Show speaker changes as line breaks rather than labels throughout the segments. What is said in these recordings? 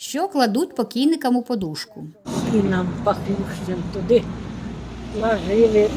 Що кладуть покійникам у подушку?
І нам пахнущим туди ложили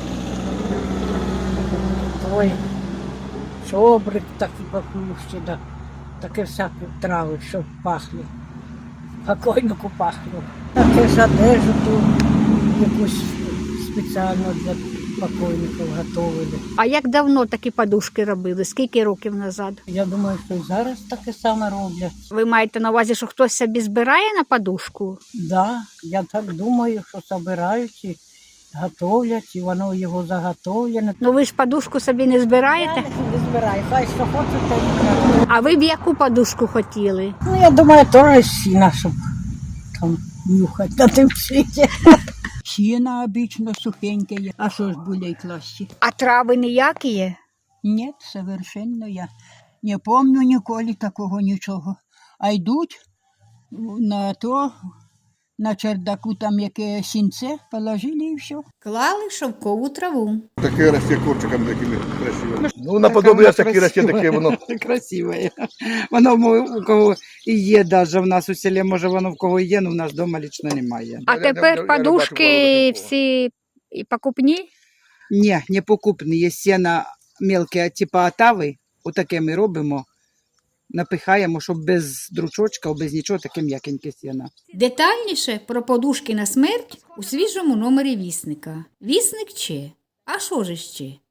той чобрик такий пахнущий, да, таке всякі трави, щоб пахли. Покойнику пахло. Таке ж одежу ту якусь спеціально для покойників готували.
А як давно такі подушки робили? Скільки років назад?
Я думаю, що і зараз таке саме роблять.
Ви маєте на увазі, що хтось собі збирає на подушку?
Да, я так думаю, що збирають і готовлять, і воно його заготовлене.
Ну ви ж подушку собі не збираєте?
Не збираю, хай що хоче, то й краще.
А ви б яку подушку хотіли?
Ну, я думаю, теж сіна, щоб там нюхати на тим світі.
Сіна обично сухеньке є. А що ж болей класти?
А трави ніякі є?
Ні, совершенно я не помню ніколи такого нічого. А йдуть на то, на чердаку там яке сінце, положили і все.
Клали шовкову траву.
Таке росте корчиком такими красивими. Ну, наподобие такі росте, таке воно.
Красиве. Воно у кого і є, навіть в нас у селі, може воно в кого є, але в нас вдома лично немає.
А
Я не
тепер
бачу
подушки
такого.
всі і покупні?
Ні, не покупні. Є сіна мелке, типу атави, отаке ми робимо, напихаємо, щоб без дручочка, без нічого, таке м'якеньке сіна.
Детальніше про подушки на смерть у свіжому номері Вісника. Вісник Че. А що ж ще?